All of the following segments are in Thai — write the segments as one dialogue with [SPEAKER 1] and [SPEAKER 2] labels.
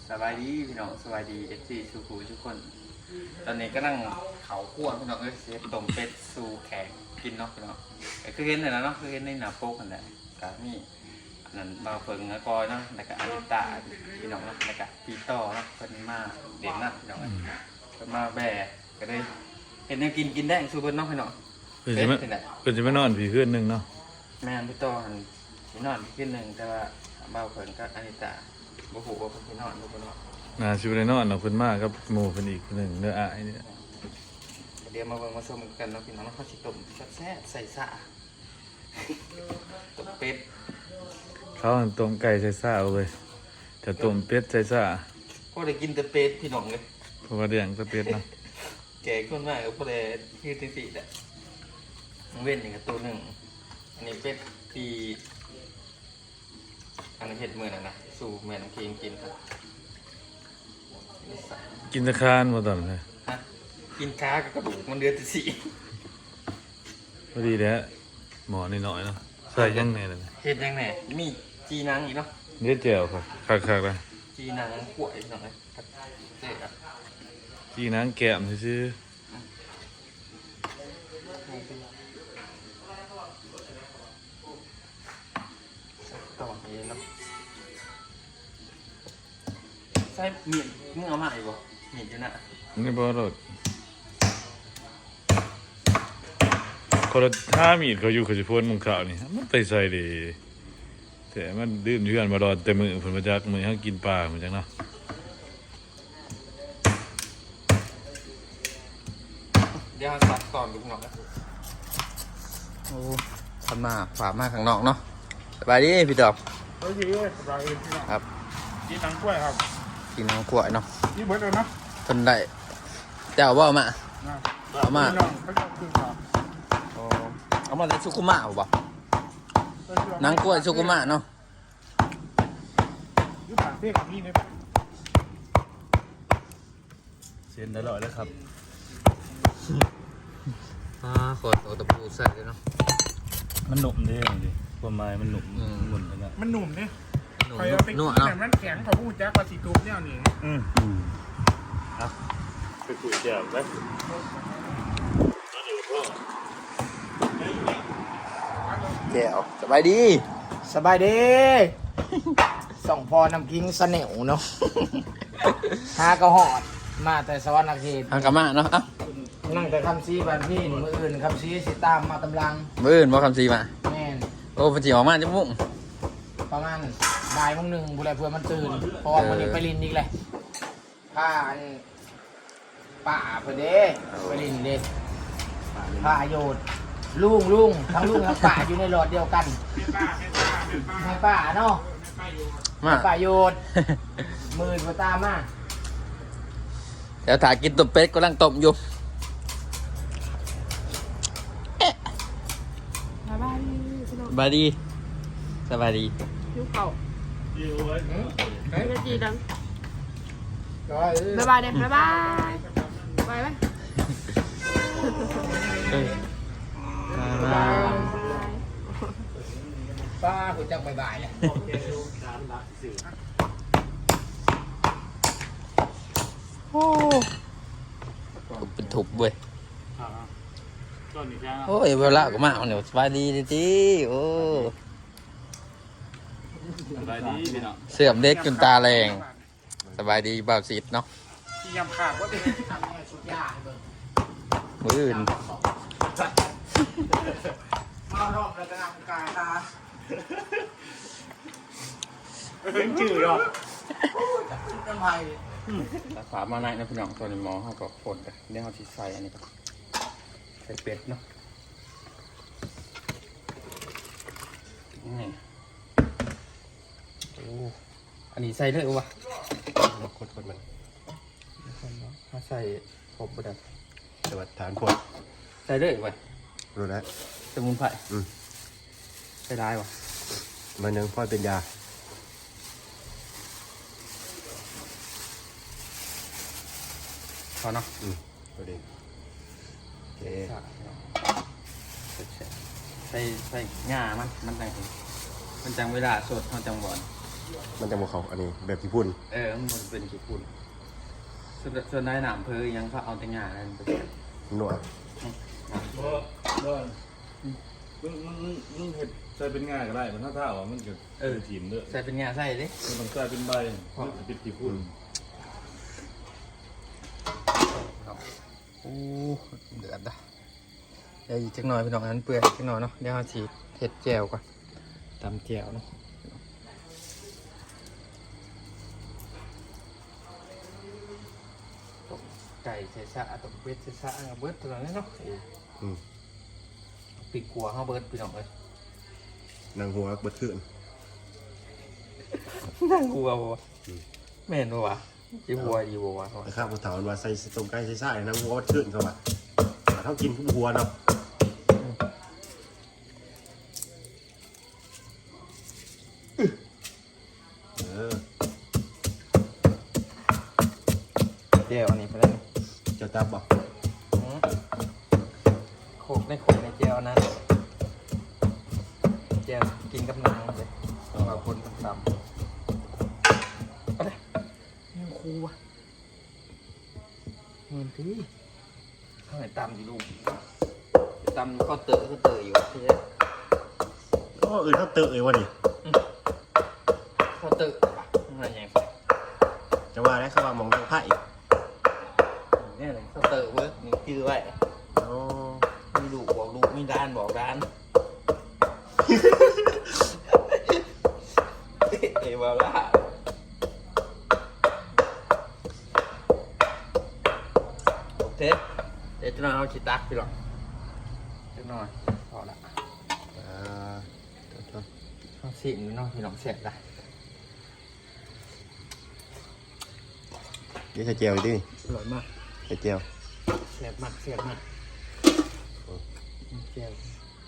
[SPEAKER 1] สบายดีพี่น้องสบายดีFCสุขุทุกคนตอนนี้ก็นั่งเขาคั่วพี่น้องเซฟต้มเป็ดสู่แขกกินเนาะพี่น้องคือเห็นเลยนะเนาะคือเห็นในหน้าโป๊กนั่นแหละก็มีอันนั้นบาวเฟิงกอยเนาะแล้วก็อาริตาพี่น้องเนาะแล้วก็พี่ต่อเนาะเพิ่นมาเด่นนะพี่น้องเพิ่นมาแบกก็เลยเห็นแนวกินได้สู่เพิ่นเนาะพี่น้อง
[SPEAKER 2] เพิ่นสิมานอนผีคืนนึงเนาะ
[SPEAKER 1] แม่นพี่ต่อหันสินอนคืนนึงแต่ว่าบาวเฟิงกับอาริตาบ่ฮู้ว่าเพิ่นสินอนหรือบ่นอน
[SPEAKER 2] น่าสิบ่ได้นอนเนาะเพิ่นมากับหมู่เพิ่นอีกคนนึงเด้ออ้ายนี่
[SPEAKER 1] เดี๋ยวมาเบิ่งมาชมกันเนาะพี่น้องเขาสิต้มแซ่บใส่สะต้มเป็ด
[SPEAKER 2] เขาต้มไก่ใส่ซ่าเอาเว้ยแต่ต้มเป็ดใส่ซ่า
[SPEAKER 1] พอได้กินแต่เป็ดพี่น้องเลย
[SPEAKER 2] เพราะว่าเลี้ยงแต่เป็ดเนาะ
[SPEAKER 1] แก่คนมากก็พอได้ยืดติดๆอ่ะเว้นอย่างกับตัวหนึ่งอันนี้เป็ดปีอันนี้เห็ดมือนั่นนะสู่แม่น้ำเค็มกินครับ
[SPEAKER 2] กินตะคานบ่ตอนเลย
[SPEAKER 1] ฮะกินขากับกระดูกมันเดือดสี
[SPEAKER 2] พอดีแหละหมอน้อยๆเนาะใส่ยังไงล่ะ
[SPEAKER 1] เห็ดยังไงมีจีนังอีกเนาะ
[SPEAKER 2] เนื้อแจ่วครับคักๆเลย
[SPEAKER 1] จีนังขวดพี่น้องเลยเจ๊อะ
[SPEAKER 2] จีนังแก้มซื่อ
[SPEAKER 1] ต่อนี้เนาะใส่เมียนมึงเอามาอีกบ่เมียนอยู่น่ะ
[SPEAKER 2] นี่บ่รสคนละท่ามีดเขาอยู่เขาสิพ่นมุงขาวนี่มันไปใส่ดิแต่มันดื่มอยู่กันบ่รอดแต่มื้อเพิ่นมาจักมื้อเฮากินปลาเหมือนจังเนาะ
[SPEAKER 1] เดี๋ยวตัดก่อนดูหน่อยนะโอ้ทำมาฝากมาข้างนอกเนาะสบายดีพี่ดอก
[SPEAKER 3] สบายดีสบายดีพี่น้อง
[SPEAKER 1] ครับ
[SPEAKER 3] กินหนังกล้วยครับ
[SPEAKER 1] กินน้ำกล้วยเนาะ
[SPEAKER 3] นี่เบิร์ดเลยเนาะ
[SPEAKER 1] คนได้เจ้าว่ามาเอามาเอามาได้สุกุมะป่ะน้ำกล้วยสุกุมะเนาะ
[SPEAKER 3] ยุบผ่านเพ่กับนี่เนี่ย
[SPEAKER 2] เส้นอร่อยแล้วครับ
[SPEAKER 1] ขอตัวตะปูใส่เลยเนาะ
[SPEAKER 2] มันหนุ่มเด้ดิความหมายมันหนุ่มหนุ่มเลยนะ
[SPEAKER 3] มันหนุ่มเนี่ยคอยเอาไปกินแต่มันแข็งเขาพูดแจ๊กปลาสีตูบเนี่ยนี่
[SPEAKER 2] ครับไปคุยแจ่วไหม
[SPEAKER 1] แก้วสบายดี
[SPEAKER 3] สบายดีส่องพอน้ำกิ้งเสน่ห์เนาะฮากระหอดมาแต่สวรรค์เขต
[SPEAKER 1] ฮังกะมะเนาะ
[SPEAKER 3] นั่งแต่คำซีบันพี่มืออื่นคำซีสิตามมาตำลัง
[SPEAKER 1] มื้ออื่นบ่คำซีมา
[SPEAKER 3] แม่น
[SPEAKER 1] โอ้เพิ่นสิออกมาจังมุ่ง
[SPEAKER 3] ประมาณบ่ายโมงหนึ่งบุไรเพื่อมันตื่นเพราะว่าวันนี้ไปลินอีกเลยผ้าอันป่าเพื่อเด้ไปลินเด้ผ้าโยดลุงทั้งลุงทั้งป่าอยู่ในหลอดเดียวกันให้ป่าเนาะ
[SPEAKER 1] มา
[SPEAKER 3] ป่าโยดมือมาตามมา
[SPEAKER 1] เดี๋ยวถ่ายกินต้มเป็ดกำลังต้มอยู่สบายดีสบายดี
[SPEAKER 4] ยูเข่าจะจีดังบ๊ายบายเด็กบ๊ายบายไปไหม
[SPEAKER 3] ป้าคุณจังบ่ายเนี่ย
[SPEAKER 1] โอ้เป็นถุบเว้ยโอ้ยเวลาก็มาเนี่ยสบายดีดิโอ้
[SPEAKER 2] สบายดีพี่น้อง
[SPEAKER 1] เสื่อมเด็กจนตาแรงสบายดีบ่าวสิทธิ์เนาะ
[SPEAKER 3] ที่ยำขาดว่าเป็นทำให้สุดยอดเลย
[SPEAKER 1] มืออื่น
[SPEAKER 3] มาทำแล้วก็นำกายตาเป็นจืดหรอน้ำไผ่
[SPEAKER 1] ฝามาในนะพี่น้องตัวนี้มองเขาก็ฝนกันเนี่ยเขาที่ใส่อันนี้ก็ใส่เป็ดเนาะนี่โอ้อันนี้ใส่เลยวะ
[SPEAKER 2] คนมัน
[SPEAKER 1] ถ้าใส่ครบบ่ได้
[SPEAKER 2] สวัสดีฐานพวก
[SPEAKER 1] ใส่เลยวะ
[SPEAKER 2] รู้แล้ว
[SPEAKER 1] สมุนไพรใส่ได้วะ
[SPEAKER 2] มันยังพ่อเป็นยา
[SPEAKER 1] พอเนาะ
[SPEAKER 2] พอดี
[SPEAKER 1] ใส่ง่ามันจังเวลาสดเขาจังบ่อน
[SPEAKER 5] มันจะบ่เขาอันนี้แบบญี่ปุ่น
[SPEAKER 1] มันเป็นกี่ปุ่นส่วนได้หนามเพอยังเขาเอาแต่งานอะไรไป
[SPEAKER 5] หนัว
[SPEAKER 2] บ่มึงเฮ็ดใส่เป็นง่ายก็ได้มันถ้าว่ามันก็ทีมเด้อ
[SPEAKER 1] ใส่เป็นงานใส่ดิ
[SPEAKER 2] มันต้องใส่เป็นใบมันจะเป็นกี่พุ่น
[SPEAKER 1] โอ้เดือดอ่ะเดี๋ยวอีกจักหน่อยพี่น้องอันเปื่อยจักหน่อยเนาะเดี๋ยวเราฉีดเห็ดแจ่วก่อนตำแจ่วเนาะไก่ใส่ซะต้มเป็ดใส่ซะเบิร์ดตัวนี้เนาะปีกขัวเข้าเบิร์ดพี่น้องเลย
[SPEAKER 5] นางหัวเบิดขึ้น
[SPEAKER 1] นั่งกลัวบ่แม่นบ่วะจีบัวดีบ่วะ
[SPEAKER 5] แต่ข้าวผู้เฒ่าว่าใส่ต้มไก่ใส่ซ่านางหัวเบิดขึ้นเข้ามาเท่ากินผู้หัวเนาะ
[SPEAKER 1] แจ่วอันนี้ไปแล้ว
[SPEAKER 5] จะตับบ่
[SPEAKER 1] โขกในแจ่วนั้นแจ่วกินกับน้ำเลยเอาคนตำอะไรนี่ครูวะเงินพี่ทำไมตำดิลูกตำก็เตอะอยู่พี่
[SPEAKER 5] ก็เขาเตอะเลยวะนี่
[SPEAKER 1] ก็เตอะอะไรอย่างเงี้ย
[SPEAKER 5] จะว่าได้เขาว่ามองทางไพ่
[SPEAKER 1] เนี่ยเลยก็เตอะเว้ยนี่ชื่อไว้
[SPEAKER 5] อ๋อ
[SPEAKER 1] มีลูกบอกลูกมีด้านบอกด้านเอ๋บอกว่าโอเคเดี๋ยวจะนอนเอาชิตักไปหรอกจะนอนพอละต้องสิมน้องพี่น้องเสร็จละ
[SPEAKER 5] นี่ใส่เจียวดิ
[SPEAKER 1] อร่อยมาก
[SPEAKER 5] ใส่เจียว
[SPEAKER 1] เสียบมากเจียว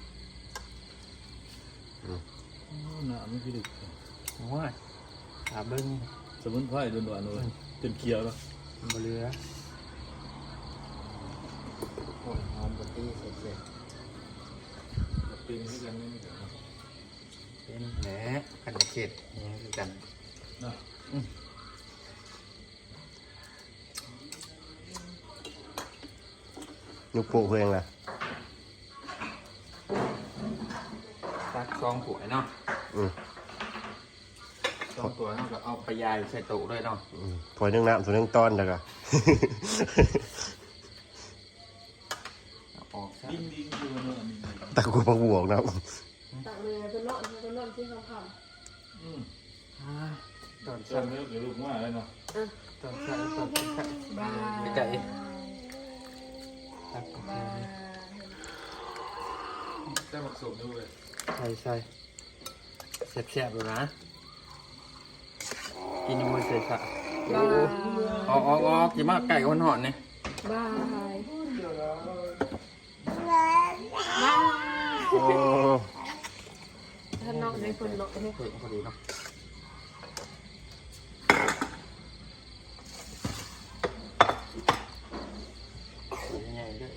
[SPEAKER 2] น้ำมันคือดึก
[SPEAKER 1] ว่าถาเบิ้ง
[SPEAKER 2] สมุนไพรโดนๆเลยจนเคี้ยวแล้ว
[SPEAKER 1] บเรือโอ้ยหอมบตี้เสร็จ
[SPEAKER 2] เป็นให้กันนี่
[SPEAKER 1] เป็นแหนกันเข็ดนี่คือกัน
[SPEAKER 2] นะ
[SPEAKER 5] ยุกโป้เพื่อนล่ะ
[SPEAKER 1] ตักซองถ้วยเนาะซองตัวเนาะก็เอาไปยายใส่ตู้ด้วยเนาะ
[SPEAKER 5] ถ้วยนึ่งน้ำถ้วยนึ่งตอนแล้วก็
[SPEAKER 1] ออกซะ
[SPEAKER 2] ดิ้งคือมันอันนี้
[SPEAKER 5] ตะกูพักบวกนะ
[SPEAKER 4] ตักเลยเป็นนอนที่เขาท
[SPEAKER 1] ตอน
[SPEAKER 2] ตอ
[SPEAKER 1] สั่
[SPEAKER 2] น
[SPEAKER 1] น
[SPEAKER 2] นี้เดี๋ยวลูกมาเลยเนาะ
[SPEAKER 1] ตอนสั่นไปไก่ตัก
[SPEAKER 2] ได้หมักสมด้วย
[SPEAKER 1] ใส่แซ่บๆเลยนะ กินยังไม่เสร็จอ่ะ
[SPEAKER 4] ำบาย
[SPEAKER 1] ออกกินมากไก่คนหอนเนี่ย
[SPEAKER 4] บาย
[SPEAKER 5] โอ้
[SPEAKER 4] ถ้านอกในคนนอกให้
[SPEAKER 1] พอดีเนาะยังไงด้วย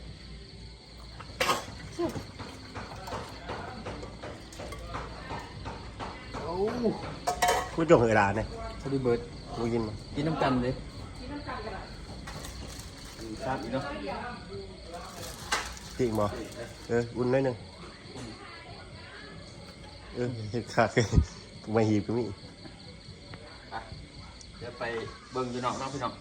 [SPEAKER 1] โอ้
[SPEAKER 5] กูจงเวลาเนี่ย
[SPEAKER 1] พอดีเบิร์ด
[SPEAKER 5] กูกินมา
[SPEAKER 1] กินน้ำกันเลยทราบอีกเนาะ
[SPEAKER 5] จริงบ่อุ่นหน่อยหนึงเห็ดขาดเลยกูมาหีบก็มี
[SPEAKER 1] เดี๋ยวไปเบิ่งอยู่นอกพี่น้อง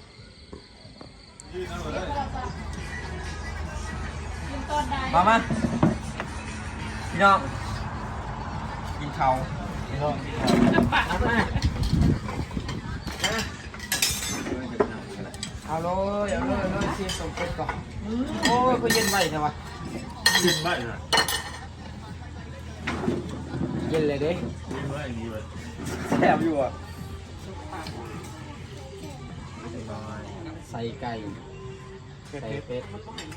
[SPEAKER 1] มาพี่น้องกินข้าวพี่น้องมาเอาเลยชิมต้มเป็ดก่อนโอ้ยก็เย็นไว้ใช่ปะ
[SPEAKER 2] กินได้นะ
[SPEAKER 1] เย็นเลยเด้
[SPEAKER 2] กินได้ดีเลย
[SPEAKER 1] แซ่บอยู่อ่ะใส่ไก่ใส่เป็ด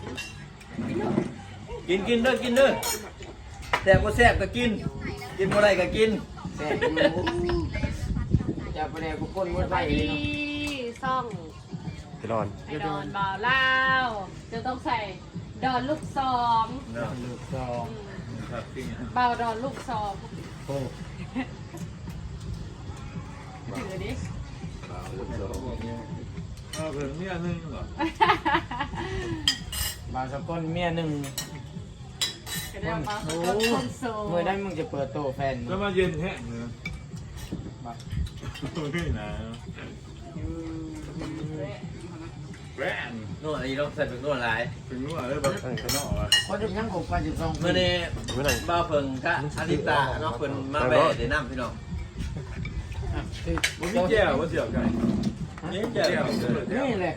[SPEAKER 1] กินเด้อแซ่บก็แซ่บก็กินบ่ได้ก็กินแซ่บอยู่จะไปแนวกูก้นมันไปเลยเนาะ
[SPEAKER 4] ซ่อง
[SPEAKER 5] ไปนอน
[SPEAKER 4] ไอดอนบ่าวเล่าจะต้องใส่ดอนลูกซอง
[SPEAKER 1] ลูกซอง
[SPEAKER 2] ครับจริง
[SPEAKER 4] บ่าวดอนลูกซอง
[SPEAKER 1] โอ้
[SPEAKER 4] ถือดิ
[SPEAKER 2] เอาเพิ่นเมียนึงเหรอบ
[SPEAKER 3] างสกุลเมียหนึ่ง
[SPEAKER 4] ก็ได้มาคนโซ่
[SPEAKER 3] เมื่อได้มึงจะเปิดโตแฟน
[SPEAKER 2] แล้วมาเย็นแห้งเลยนี่นะแหวน
[SPEAKER 6] นู่นอันนี้ต้องใส่เป็นนู่นหลาย
[SPEAKER 2] เป็นนัวเลยแบบข้างนอกอ่ะ
[SPEAKER 3] คนจะยังคงไปจุดสอง
[SPEAKER 6] เมื่อนี้บ้าเพิ่งกะอาริตาเนาะเพิ่นมาแบะได้น้ำพี่น้อง
[SPEAKER 2] มันมีแก้วว่าเสียวไก่
[SPEAKER 6] นี่แก่
[SPEAKER 3] นี่แหละ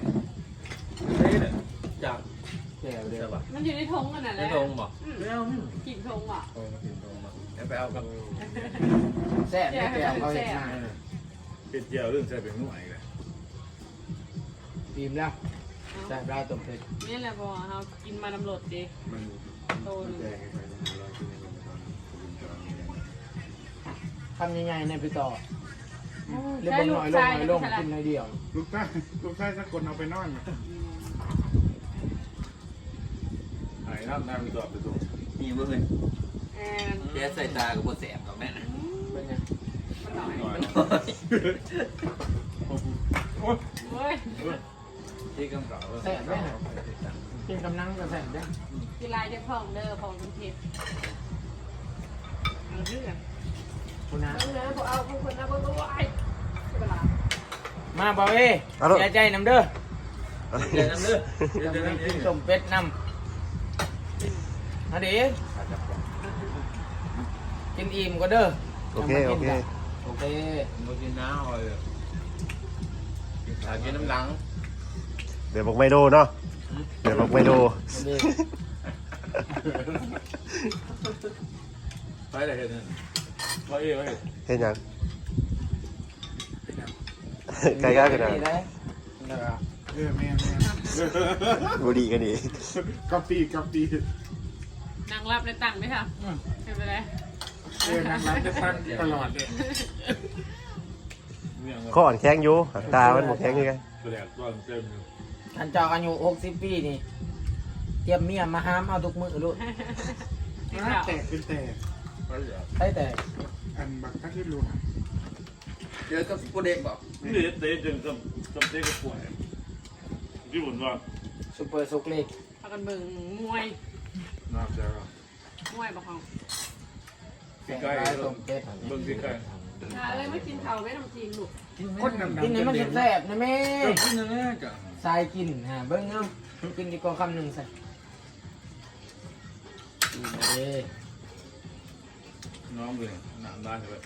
[SPEAKER 6] จาก
[SPEAKER 3] แก้วเดียว
[SPEAKER 4] มันอยู่ในทงกันน่ะแห
[SPEAKER 6] ไม่
[SPEAKER 4] ละ
[SPEAKER 6] ทงบ่
[SPEAKER 4] กินทงอ่ะ
[SPEAKER 6] งั้นไปเอากับ
[SPEAKER 3] แซ่บไม่แก้วเขาเห็นหน้า
[SPEAKER 2] เป็นแก้วเรื่องใส่เป็นนัวอีกเลย
[SPEAKER 3] บีมแล้วแซ่บได้ต้มเผ็ด
[SPEAKER 4] นี่แหละบอกเขากินมาน้ำรดดิโตนึง
[SPEAKER 3] ทำยังไงในไปต่อเรียบร้อยลงกินในเดียว
[SPEAKER 7] ลูกชายสักคนเอาไปนอน
[SPEAKER 2] หายน้ำมีตอบไปส่ง
[SPEAKER 6] มีเพิ่น
[SPEAKER 4] แอน
[SPEAKER 6] แกใส่ตากับบ่แสบกับแม่นะ
[SPEAKER 3] เป็นไง
[SPEAKER 4] มันหน่อย
[SPEAKER 2] หน่อย
[SPEAKER 4] เฮ้ย
[SPEAKER 2] ที่กำกับ
[SPEAKER 3] แซ่บไหมกินกำลังก็แซ่บได้
[SPEAKER 4] กินลายจะพองเด้อพองเป็นเผ็ดเอาเรื่อง
[SPEAKER 3] คุณนะ
[SPEAKER 4] เอาเรื่องเอาคนนะบ่ไหวเวลา
[SPEAKER 3] มาบ่าวเอ้เสียใจน้ำเด้อ
[SPEAKER 6] เดี๋ยวน้ำเลือด
[SPEAKER 3] จะไปกินต้มเป็ดน้ำนะดิกินอิ่มก็เด้อ
[SPEAKER 5] โอเคโอเค
[SPEAKER 3] โอเค
[SPEAKER 6] บ่กินน้ำเลยกินน้ำหลัง
[SPEAKER 5] เดี๋ยวบอกไมโดเนาะเดี๋ยวบอกไมโด
[SPEAKER 2] ไปเลยเห็นนั่นว่าเอ๋ว่าเอ๋
[SPEAKER 5] เห็นยังไกลๆกันนะ
[SPEAKER 3] นี่ได้
[SPEAKER 7] แม่
[SPEAKER 5] บุรีกันดี
[SPEAKER 7] กาแฟ
[SPEAKER 4] นางรับในตังค์ไหมคะเป็นไปได้
[SPEAKER 7] นางร้านจะตั้งตลอดเลย
[SPEAKER 5] ข้ออ่อนแข็งอยู่ตามันหมดแข็งอยู่ไง
[SPEAKER 2] แปลกตอนเต็มอยู่
[SPEAKER 3] ท่านเจ้าอายุ60 ปีนี่เตรียมเมียมาห้ามเอาทุกมื้อลูก
[SPEAKER 7] แตกเป็นแตก
[SPEAKER 2] ไปอย่าง
[SPEAKER 3] ใช่แต่
[SPEAKER 7] อันบักทัดที่ลุง
[SPEAKER 6] เจอกับผู้เด็กบ่
[SPEAKER 2] นี่เตะจนจำเตะก็ป่วยที่ผมว่า
[SPEAKER 3] ซุปเปอร์ซุกเล็ก
[SPEAKER 4] พากันเบิ่งมวย
[SPEAKER 2] น้ำใจก็
[SPEAKER 4] มวยบอกเขา
[SPEAKER 2] ใกล้
[SPEAKER 3] ต้มเป็ด
[SPEAKER 2] เบิ่งใกล้
[SPEAKER 4] อะไรไม่กินข้าวไม่ทำจริงลูก
[SPEAKER 7] คนดำ
[SPEAKER 3] กินให้มันแซ่บๆนะแม่
[SPEAKER 2] ก็กินนั่นแหละจ้ะ
[SPEAKER 3] ทรายกินฮะเบิ่งเอากินดีกว่าคำหนึ่งใส่กินมาเด้
[SPEAKER 2] น้องเลยหนังได้เลย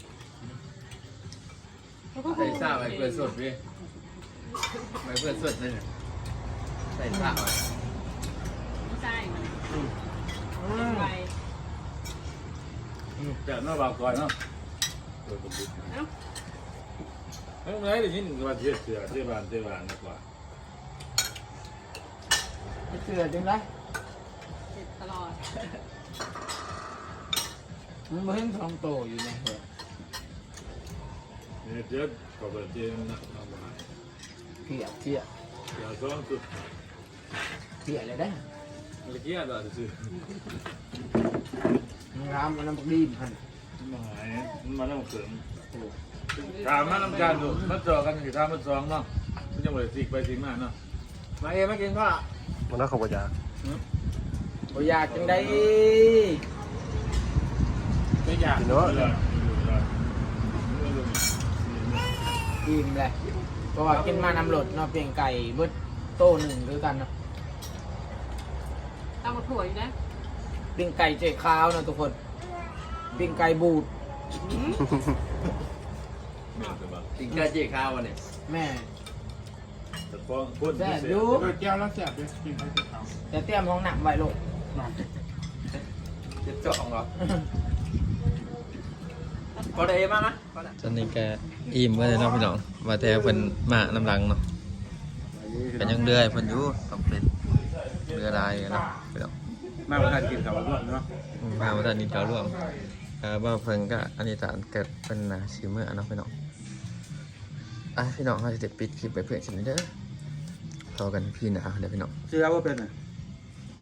[SPEAKER 6] ใส่ซ่าไว้เพื่อนสดพี่ไว้เพื่อนสดนั่นน่ะใส่ซ่าไว้
[SPEAKER 4] ไม่ใช่มัน
[SPEAKER 3] อืม
[SPEAKER 4] ไป
[SPEAKER 2] แต่หน้าบางก่อนเนาะเออผมดู
[SPEAKER 4] เอ้า
[SPEAKER 2] เฮ้ยไม่ได้ยินว่าเทียบเสือเทียบานนะกว่า
[SPEAKER 3] เสือจังไร
[SPEAKER 4] ติดตลอด
[SPEAKER 3] มันบ่เห็นทองโตอยู่ในหัว
[SPEAKER 2] เนี่ยเจ็บก็แบบเจ็บนะทำมา
[SPEAKER 3] เพี้ย
[SPEAKER 2] อย่าซ้อนสุด
[SPEAKER 3] เลยได้
[SPEAKER 2] เมื่อกี้อะไรซื้อ
[SPEAKER 3] มันรามมันน้ำดีมหัน
[SPEAKER 2] มาหายมันมาแล้วเสริมถามมาทำการดูมาเจอกันกี่ท่ามาซ้อมเนาะมันจะเหมือนสิกไปสิมาเนาะ
[SPEAKER 6] มาเองมากินข้าว
[SPEAKER 5] มันน่าขอบคุณจ้า
[SPEAKER 3] บ่อยากจังได้
[SPEAKER 7] ไม่อยาก
[SPEAKER 5] กินเนาะ
[SPEAKER 3] อิ่มแหละเพราะว่ากินมาน้ำหลดเนาะเพียงไก่เบิดโตหนึ่งด้วยกันเนาะ
[SPEAKER 4] เอามาถั่วอยู่นะ
[SPEAKER 3] ปิ้งไก่เจ๊ขาวเนาะทุกคนปิ้งไก่บูด
[SPEAKER 6] กินกระเจี๊ยข้าววันนี้
[SPEAKER 3] แม่
[SPEAKER 2] แต่พอพ่น
[SPEAKER 3] แซ่บ
[SPEAKER 2] เสร็จ
[SPEAKER 3] อยู่
[SPEAKER 7] แก้วแล้วแสบเลยกินไปที่เขา
[SPEAKER 3] แต่เตรียมห้องหนักไว้ลูก
[SPEAKER 6] จะเจาะเหรอก็ได้มากนะตอนนี้แกอิ่มก็เลยเนาะพี่น้องมาแต่เพิ่นมาน้ำลังเนาะเป็นยังเดือยเพิ่นอยู่ต้องเป็นเรือลายเนาะพี่น้อง
[SPEAKER 7] มาประทานกินข้าวร่วมเนาะ
[SPEAKER 6] มาวันนี้เราร่วมว่าเพิ่นก็อันนี้ตานเกิดเป็นชิมเมอร์เนาะพี่น้องพี่น้องเขาจะปิดคลิปไปเพื่อนกันเด้อพอกันพี่หนาเดี๋ยวพี่น้อง
[SPEAKER 7] เชื่อว่าเป็นอ่ะ